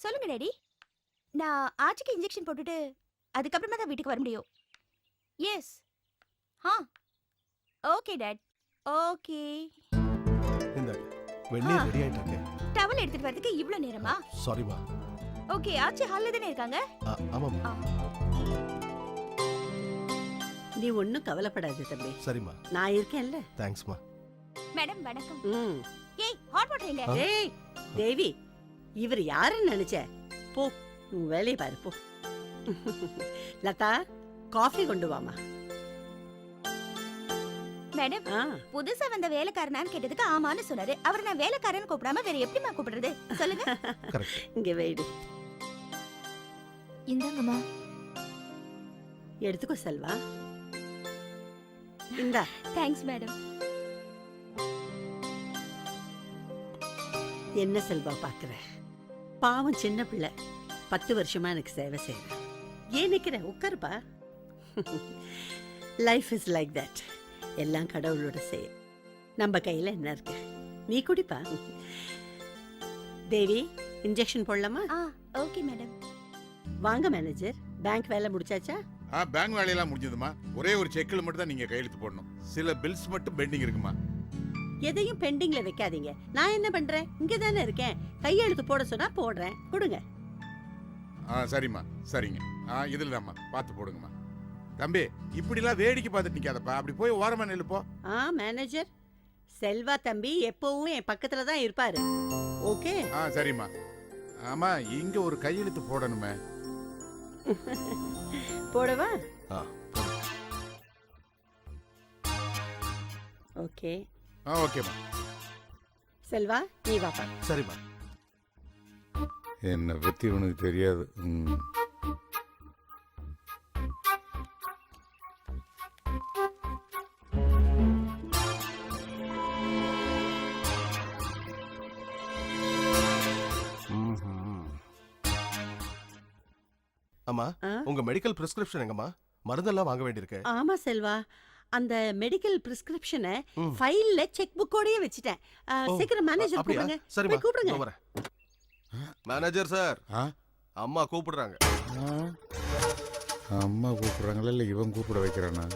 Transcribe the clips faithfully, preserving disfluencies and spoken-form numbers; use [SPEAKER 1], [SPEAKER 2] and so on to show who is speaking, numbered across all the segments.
[SPEAKER 1] சொல்லுங்க டாடி. நான் ஆச்சிக்கு இன்ஜெக்ஷன் போட்டுட்டு அதுக்கப்புறமா தான் வீட்டுக்கு வர முடியும். எஸ். ஆ ஓகே டாட். ஓகே.
[SPEAKER 2] இந்த வெந்நீர் ரெடி ஆயிட்டு இருக்கு.
[SPEAKER 1] டவல் எடுத்துட்டு வரதுக்கு இவ்ளோ நேரமா?
[SPEAKER 2] சாரிமா.
[SPEAKER 1] ஓகே, ஆச்சி ஹால்ல தானே இருக்காங்க?
[SPEAKER 2] ஆமாம்மா.
[SPEAKER 3] நீ ஒன்னும் கவலைப்படாத தம்பி.
[SPEAKER 2] சரிம்மா.
[SPEAKER 3] நான் இருக்கேன்ல.
[SPEAKER 2] தேங்க்ஸ்மா.
[SPEAKER 1] மேடம் வணக்கம்.
[SPEAKER 3] ம்.
[SPEAKER 1] ஏய் ஹாட் வாட்டர் எங்க?
[SPEAKER 3] ஏய் தேவி, இவர் யாருன்னு நினைச்ச? போ, உன் வேலையை பாரு போ. லதா, காஃபி கொண்டு வாமா.
[SPEAKER 1] மேடம், புதுசா வந்த வேலைக்காரனான்னு கேட்டதுக்கு ஆமான்னு சொன்னாரு. அவரை நான் வேலைக்காரன்னு கூப்பிடாம வேற எப்படிமா கூப்பிடுறது சொல்லுங்க.
[SPEAKER 3] இங்க வெயிடு.
[SPEAKER 1] இந்தாங்கம்மா.
[SPEAKER 3] எடுத்துக்கோ செல்வா. இந்தா.
[SPEAKER 1] Thanks madam.
[SPEAKER 3] என்ன செல்வா பாக்குற? பாவம் சின்ன பிள்ளை, பத்து வருஷமா எனக்கு சேவை செய்யற. ஏன் நிக்கிற? உட்காருப்பா. Life is like that. எல்லாம் கடவுளோட செயல். நம்ம கையில என்ன இருக்கு? நீ குடிப்பா. தேவி, இன்ஜெக்ஷன் போடலாமா?
[SPEAKER 1] Okay madam.
[SPEAKER 3] வாங்க மேனேஜர், பேங்க் வேலை முடிச்சாச்சா?
[SPEAKER 4] ஆ, பேங்க் வேலையெல்லாம் முடிஞ்சதுமா. ஒரே ஒரு செக்ல மட்டும் தான் நீங்க கையெழுத்து போடணும். சில பில்ஸ் மட்டும் பெண்டிங் இருக்குமா.
[SPEAKER 3] எதையும் பெண்டிங்ல வைக்காதீங்க. நான் என்ன பண்றேன்? இங்க தானே இருக்கேன். கையெழுத்து போட சொன்னா போடுறேன். கொடுங்க.
[SPEAKER 4] ஆ சரிம்மா, சரிங்க. ஆ இதுல தாம்மா, பார்த்து போடுங்கம்மா. தம்பி, இப்படிலாம் வேடிக்கை பார்த்துட்டு நிக்காதப்பா, அப்படி போய் ஓரமா நில்லு போ.
[SPEAKER 3] ஆ மேனேஜர், செல்வா தம்பி எப்பவும் என் பக்கத்துல தான் இருப்பாரு. ஓகே?
[SPEAKER 4] ஆ சரிம்மா. ஆமா, இங்க ஒரு கையெழுத்து போடணுமே.
[SPEAKER 3] போடவா? ஓகே.
[SPEAKER 4] ஆ ஓகேம்மா.
[SPEAKER 3] செல்வா, நீ வாப்பா.
[SPEAKER 2] சரிம்மா.
[SPEAKER 4] என்ன பத்தி உனக்கு தெரியாது.
[SPEAKER 2] அம்மா, உங்க மெடிக்கல் பிரிஸ்கிரிப்ஷன் எங்கம்மா? மருந்தெல்லாம் வாங்க வேண்டியிருக்கு.
[SPEAKER 3] ஆமா செல்வா, அந்த மெடிக்கல் பிரிஸ்கிரிப்ஷனை ஃபைல்ல செக் புக்கோடயே வச்சிட்டேன். சீக்கிரம் மேனேஜர் கூப்பிடுங்க.
[SPEAKER 2] சரிம்மா,
[SPEAKER 3] கூப்பிடுங்க.
[SPEAKER 2] வரேன். மேனேஜர் சார், அம்மா கூப்பிடுறாங்க.
[SPEAKER 4] அம்மா கூப்பிடுறாங்களா இல்ல இவன் கூப்பிட வைக்கிறானா?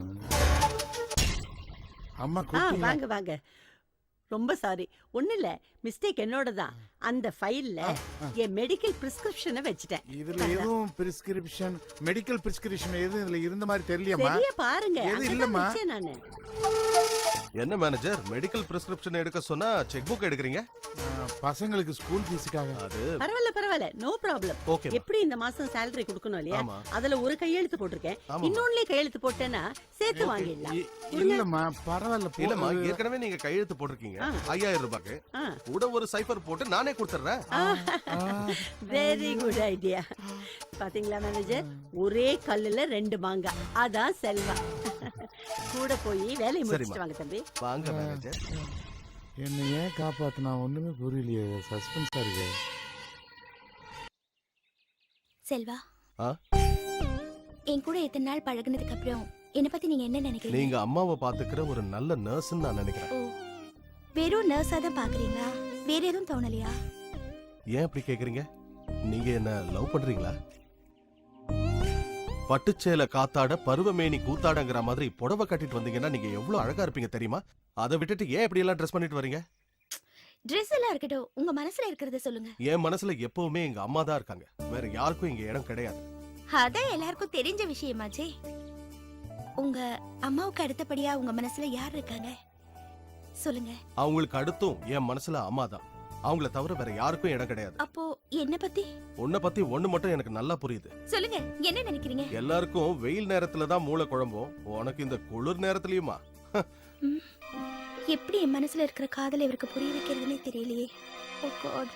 [SPEAKER 4] அம்மா கூப்பிடுங்க.
[SPEAKER 3] வாங்க வாங்க. ரொம்ப சாரி, ஒண்ணு இல்ல, மிஸ்டேக் என்னோட தான். அந்த ஃபைல்ல என் மெடிக்கல் பிரிஸ்கிரிப்ஷனை வச்சிட்டேன்.
[SPEAKER 4] இதுல எதுவும் பிரிஸ்கிரிப்ஷன், மெடிக்கல் பிரிஸ்கிரிப்ஷன் எதுவும் இதுல இருந்த மாதிரி தெரியலையம்மா.
[SPEAKER 3] சரியா பாருங்க.
[SPEAKER 4] எது இல்லம்மா.
[SPEAKER 3] நானு
[SPEAKER 2] என்ன மேனேஜர், மெடிக்கல் பிரிஸ்கிரிப்ஷன் எடுக்க சொன்னா செக் புக் எடுக்கறீங்க?
[SPEAKER 4] பசங்களுக்கு ஸ்கூல் ஃபீஸுக்காக.
[SPEAKER 2] அது
[SPEAKER 3] பரவாயில்ல பரவாயில்ல, நோ ப்ராப்ளம். எப்படி இந்த மாசம் salary கொடுக்கணும் இல்லையா? அதுல ஒரு கையெழுத்து போட்டிருக்கேன். இன்னொன்னுல கையெழுத்து போட்டேனா சேர்த்து வாங்கிடலாம்.
[SPEAKER 4] இல்லம்மா பரவாயில்ல.
[SPEAKER 2] இல்லம்மா, ஏற்கனவே நீங்க கையெழுத்து போட்டிருக்கீங்க ஐயாயிரம் ரூபாய்க்கு. கூட ஒரு சைபர் போட்டு நானே கொடுத்துறேன்.
[SPEAKER 3] Very good idea. பாத்தீங்களா மேனேஜர், ஒரே கல்லுல ரெண்டு மாங்கா. அதான் செல்வா. கூட போய் வேலையை முடிச்சிட்டு வாங்க தம்பி.
[SPEAKER 2] வாங்க மேனேஜர்.
[SPEAKER 4] என்ன ஏன் காப்பாத்தினா ஒண்ணுமே புரியலையே, சஸ்பென்ஸா இருக்கு.
[SPEAKER 1] செல்வா, என் கூட எத்தனை நாள் பழகுனதுக்கு அப்புறம் என்ன பத்தி நீங்க என்ன நினைக்கிறீங்க?
[SPEAKER 2] நீங்க அம்மாவை பாத்துக்கிற ஒரு நல்ல நர்ஸ்ன்னு நான் நினைக்கிறேன்.
[SPEAKER 1] ஓ, வெறும் நர்ஸா தான் பாக்குறீங்களா? வேற எதுவும் தோணலையா?
[SPEAKER 2] ஏன் அப்படி கேக்குறீங்க? நீங்க என்ன லவ் பண்றீங்களா? பட்டுச்சேல காத்தாட பருவமேனி கூத்தாடங்கிற மாதிரி புடவை கட்டிட்டு வந்தீங்கன்னா நீங்க எவ்வளவு அழகா இருப்பீங்க தெரியுமா? அதை விட்டுட்டு ஏன் இப்படி எல்லாம் ட்ரெஸ் பண்ணிட்டு வரீங்க?
[SPEAKER 1] ட்ரெஸ் எல்லாம் இருக்கட்டும், உங்க மனசுல இருக்கிறத சொல்லுங்க.
[SPEAKER 2] என் மனசுல எப்பவுமே எங்க அம்மா தான் இருக்காங்க. வேற யாருக்கும் இங்க இடம் கிடையாது.
[SPEAKER 1] அதான் எல்லாருக்கும் தெரிஞ்ச விஷயமாச்சே. உங்க அம்மாவுக்கு அடுத்தபடியா உங்க மனசுல யார் இருக்காங்க சொல்லுங்க.
[SPEAKER 2] அவங்களுக்கு அடுத்தும் என் மனசுல அம்மா தான். அவங்கள தவிர வேற யாருக்கும் இடம் கிடையாது.
[SPEAKER 1] அப்போ என்ன பத்தி?
[SPEAKER 2] உன்னை பத்தி ஒண்ணு மட்டும் எனக்கு நல்லா புரியுது.
[SPEAKER 1] சொல்லுங்க, என்ன நினைக்கிறீங்க?
[SPEAKER 2] எல்லாருக்கும் வெயில் நேரத்துல தான் மூளை குழம்பும், உனக்கு இந்த குளிர் நேரத்துலயுமா?
[SPEAKER 1] எப்படி என் மனசுல இருக்கிற காதலை இவருக்கு புரிய வைக்கிறதுனே தெரியலையே. Oh God.